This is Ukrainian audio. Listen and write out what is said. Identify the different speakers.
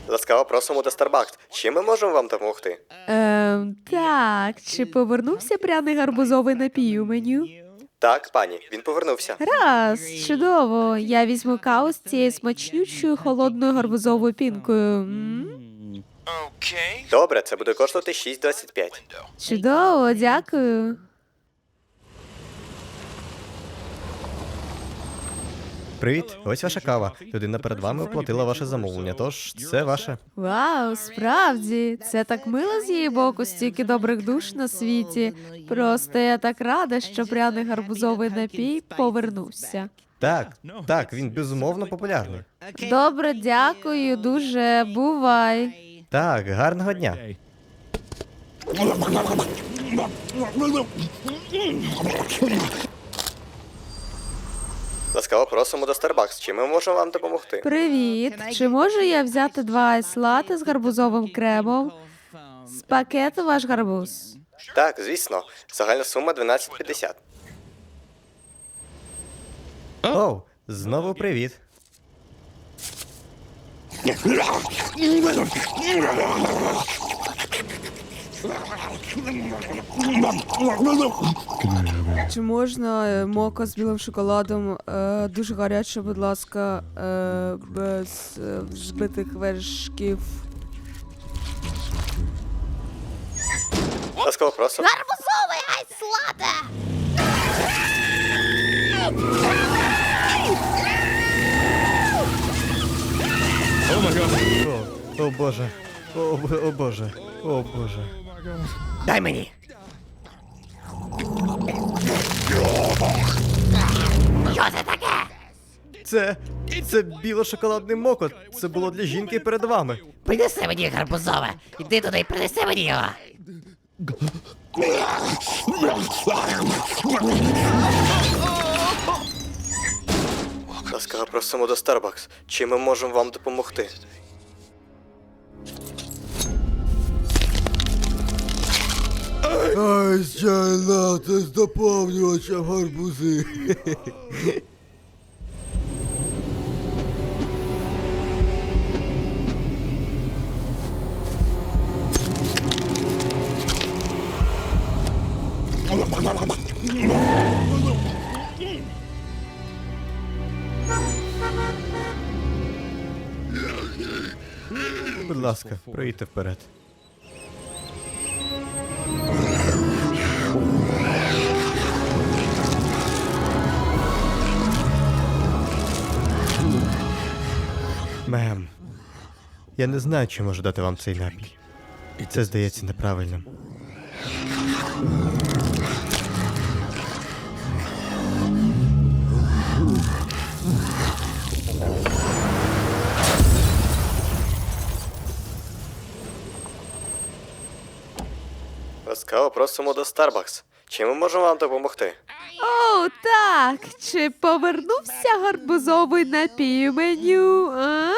Speaker 1: Ласкаво просимо до Starbucks. Чим ми можемо вам допомогти?
Speaker 2: Так, чи повернувся пряний гарбузовий напій у меню?
Speaker 1: Так, пані, він повернувся.
Speaker 2: Раз, чудово. Я візьму каву з цією смачнючою холодною гарбузовою пінкою.
Speaker 1: Добре, це буде коштувати 6,25.
Speaker 2: Чудово, дякую.
Speaker 1: Привіт, ось ваша кава. Людина перед вами оплатила ваше замовлення, тож це ваше.
Speaker 2: Вау, справді, це так мило з її боку, стільки добрих душ на світі. Просто я так рада, що пряний гарбузовий напій повернувся.
Speaker 1: Так, він безумовно популярний.
Speaker 2: Добре, дякую, дуже. Бувай.
Speaker 1: Так, гарного дня. Ласкаво просимо до Starbucks. Чим ми можемо вам допомогти?
Speaker 2: Привіт. Чи можу я взяти 2 айс-лати з гарбузовим кремом? З пакету ваш гарбуз.
Speaker 1: Так, звісно. Загальна сума 12,50. Оу, знову привіт.
Speaker 2: Чи можна мока з білим шоколадом? Дуже гаряче, будь ласка, без збитих вершків.
Speaker 1: Ласкаво просимо.
Speaker 3: Гарбузовий айс-лате!
Speaker 1: О боже. О боже. О боже.
Speaker 4: Дай мені. Що це таке?
Speaker 1: Це біло-шоколадний мокот. Це було для жінки перед вами.
Speaker 4: Принеси мені гарбузове. Іди туди і принеси мені його.
Speaker 1: Ласкаво просимо до Starbucks. Чим ми можемо вам допомогти?
Speaker 5: Ай, чай лати з доповнювачем гарбузи.
Speaker 1: Будь ласка, проїдьте вперед. Мем, я не знаю, чи можу дати вам цей напій. Це здається неправильним. Ласкаво просимо до Starbucks. Чим ми можемо вам допомогти?
Speaker 2: О, так. Чи повернувся гарбузовий напій у меню?